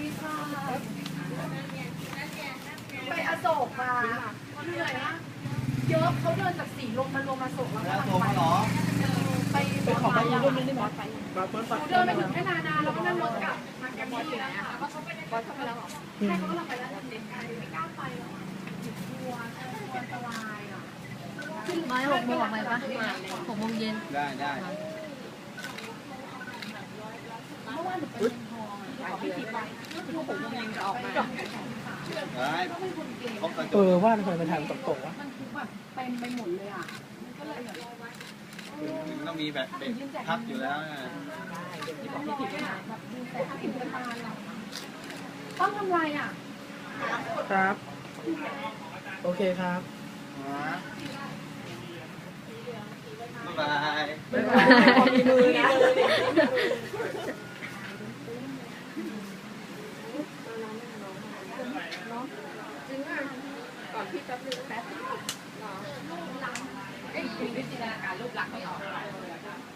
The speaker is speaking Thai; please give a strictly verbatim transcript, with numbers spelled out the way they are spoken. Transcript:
ดีค่ะไปอโศกมาเหนื่อยนะเยอะเขาเดินจากสีลมมาลงมาโศกแล้วก็ไปไปไปขอไปยังรุ่นนี้ไหมเดินไปถึงแค่นานาแล้วก็นั่งรถกลับมาแกมมี่นะคะก็เขาไปได้เขาไปแล้วหรอใช่เขาก็เราไปแล้วเด็กไม่กล้าไปแล้วกลัวกลัวอันตรายอ่ะไม่หกโมงออกไปปะหกโมงเย็นได้ได้เมื่อวานหนูไปเมืองทองขอพี่ทิพย์ไปก็คือหกโมงเย็นจะออกมาเออว่าทำไมมันทางตกๆวะมันคือแบบเต็มไปหมดเลยอ่ะก็เลยแบบมันต้องมีแบบเด็กพักอยู่แล้วนะต้องทำไรอ่ะครับโอเคครับบ๊ายบายบ๊ายบายมีมือนะจริงอ่ะก่อนพี่แป๊บนึงแป๊บเอ้ยมีวิจิตรการรูปลักษณ์ไม่ออก